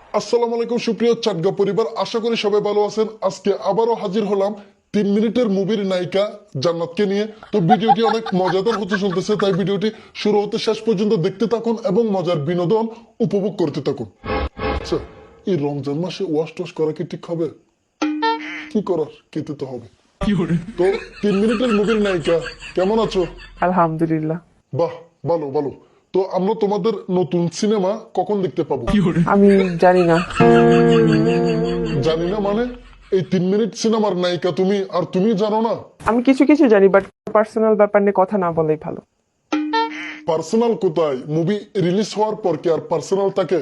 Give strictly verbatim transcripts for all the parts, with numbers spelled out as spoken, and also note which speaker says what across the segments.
Speaker 1: আসসালামু আলাইকুম সুপ্রিয় চাটগা পরিবার, আশা করি সবাই ভালো আছেন। আজকে আবারও হাজির হলাম তিন মিনিটের মুভির নায়িকা জান্নাতকে নিয়ে। তো ভিডিওটি অনেক মজাদার হতে চলতেছে, তাই ভিডিওটি শুরু হতে শেষ পর্যন্ত দেখতে থাকুন এবং মজার বিনোদন উপভোগ করতে থাকুন। আচ্ছা, এই রমজান মাসে ওয়াশ টোয়াশ করা কি ঠিক হবে? কি করার, খেতে তো হবে। তো তিন মিনিটের মুভির নায়িকা, কেমন আছো?
Speaker 2: আলহামদুলিল্লাহ।
Speaker 1: বাহ, ভালো ভালো। তো আমরা তোমাদের নতুন সিনেমা কখন দেখতে পাবো?
Speaker 2: আমি জানি না।
Speaker 1: জানি না মানে? এই তিন মিনিট সিনেমার নায়িকা তুমি, আর তুমি জানো না?
Speaker 2: আমি কিছু কিছু জানি, বাট পার্সোনাল ব্যাপার নিয়ে কথা না বলাই ভালো।
Speaker 1: পার্সোনাল কোথায়? মুভি রিলিজ হওয়ার পর কি আর পার্সোনাল থাকে?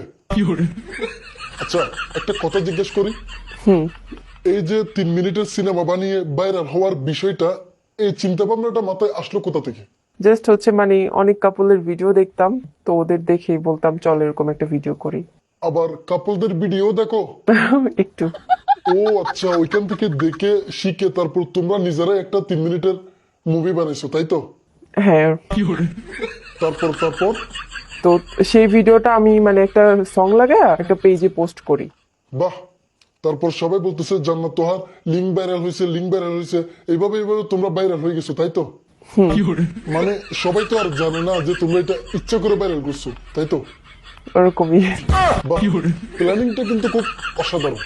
Speaker 1: আচ্ছা, একটা কথা জিজ্ঞেস করি।
Speaker 2: হুম।
Speaker 1: এই যে তিন মিনিটের সিনেমা বানিয়ে ভাইরাল হওয়ার বিষয়টা, এই চিন্তা ভাবনাটা মাথায় আসলো কোথা থেকে?
Speaker 2: জাস্ট হচ্ছে মানে অনেক কাপলের ভিডিও দেখতাম, তো ওদের দেখেই বলতাম চল এরকম একটা ভিডিও করি।
Speaker 1: আবার কাপলদের ভিডিও দেখো?
Speaker 2: একটু।
Speaker 1: ও আচ্ছা, ওইখান থেকে দেখে শিখে তারপর তোমরা নিজেরাই একটা তিন মিনিটের মুভি বানাইছো, তাই তো?
Speaker 2: হ্যাঁ।
Speaker 1: তারপর তারপর
Speaker 2: তো সেই ভিডিওটা আমি মানে একটা সং লাগায় একটা পেজে পোস্ট করি।
Speaker 1: বাহ, তারপর সবাই বলতেছে জান্নাত তোহার লিঙ্ক ভাইরাল হয়েছে, লিঙ্ক ভাইরাল হয়েছে। এইভাবে এইভাবে তোমরা ভাইরাল হয়ে গেছো, তাই তো? মানে সবাই তো আর জানে না যে তোমরা এটা ইচ্ছা করে ভাইরাল করছো, তাই তো?
Speaker 2: ওরকমই।
Speaker 1: বাহ, প্ল্যানিংটা কিন্তু খুব অসাধারণ।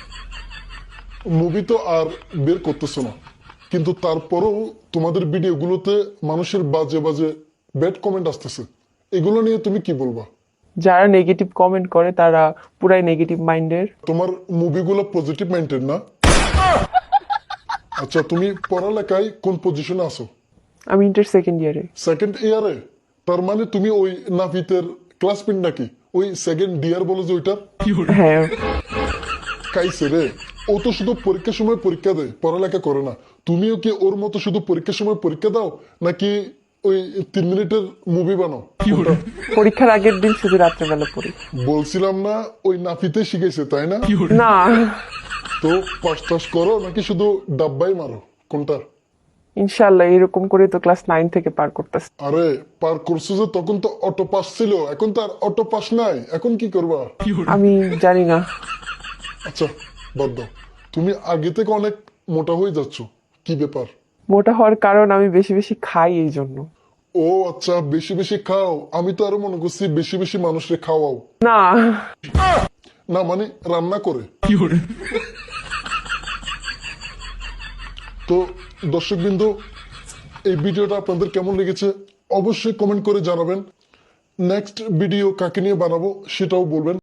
Speaker 1: মুভি তো আর বের করতেছো না, কিন্তু তারপরেও তোমাদের ভিডিওগুলোতে মানুষের বাজে বাজে ব্যাড কমেন্ট আসতেছে। এগুলো নিয়ে তুমি কি বলবা?
Speaker 2: যারা নেগেটিভ কমেন্ট করে তারা পুরাই নেগেটিভ মাইন্ডের।
Speaker 1: তোমার মুভিগুলো পজিটিভ মাইন্ডেড না? আচ্ছা, তুমি পড়ালেখায় কোন পজিশনে আছো?
Speaker 2: আমি ইন্টার সেকেন্ড ইয়ারে।
Speaker 1: সেকেন্ড ইয়ারে? তার মানে তুমি ওই নাফিতের ক্লাসমেট নাকি? ওই সেকেন্ড ইয়ার বলে যে ওইটা?
Speaker 2: হ্যাঁ।
Speaker 1: কাইছে রে, ও তো শুধু পরীক্ষার সময় পরীক্ষা দেয়, পড়ালেখা করে না। তুমিও কি ওর মতো শুধু পরীক্ষার সময় পরীক্ষা দাও, নাকি ওই তিন মিনিটের মুভি বানাও? কোনটা?
Speaker 2: পরীক্ষার আগের দিন শুধু রাত্রেবেলা পড়ি।
Speaker 1: বলছিলাম না, ওই নাফিতে শিখেছে, তাই না?
Speaker 2: না,
Speaker 1: তো পাস টাস করো নাকি শুধু ডাব্বাই মারো, কোনটা?
Speaker 2: ইনশাল্লাহ এরকম করে তো ক্লাস নাইন থেকে পার করতেছে।
Speaker 1: আরে পার করছো যে, তখন তো অটো পাস ছিল, এখন তো আর অটো পাস নাই, এখন কি করবা?
Speaker 2: আমি জানি না।
Speaker 1: আচ্ছা, বাদ দাও। তুমি আগে থেকে অনেক মোটা হয়ে যাচ্ছ, কি ব্যাপার?
Speaker 2: মোটা হওয়ার কারণ আমি বেশি বেশি খাই এই জন্য।
Speaker 1: ও আচ্ছা, বেশি বেশি খাও। আমি তো আরো মনে করছি বেশি বেশি মানুষকে খাওয়াও।
Speaker 2: না।
Speaker 1: না মানে রান্না করে। তো দর্শকবৃন্দ, এই ভিডিওটা আপনাদের কেমন লেগেছে অবশ্যই কমেন্ট করে জানাবেন। নেক্সট ভিডিও কাকে নিয়ে বানাবো সেটাও বলবেন।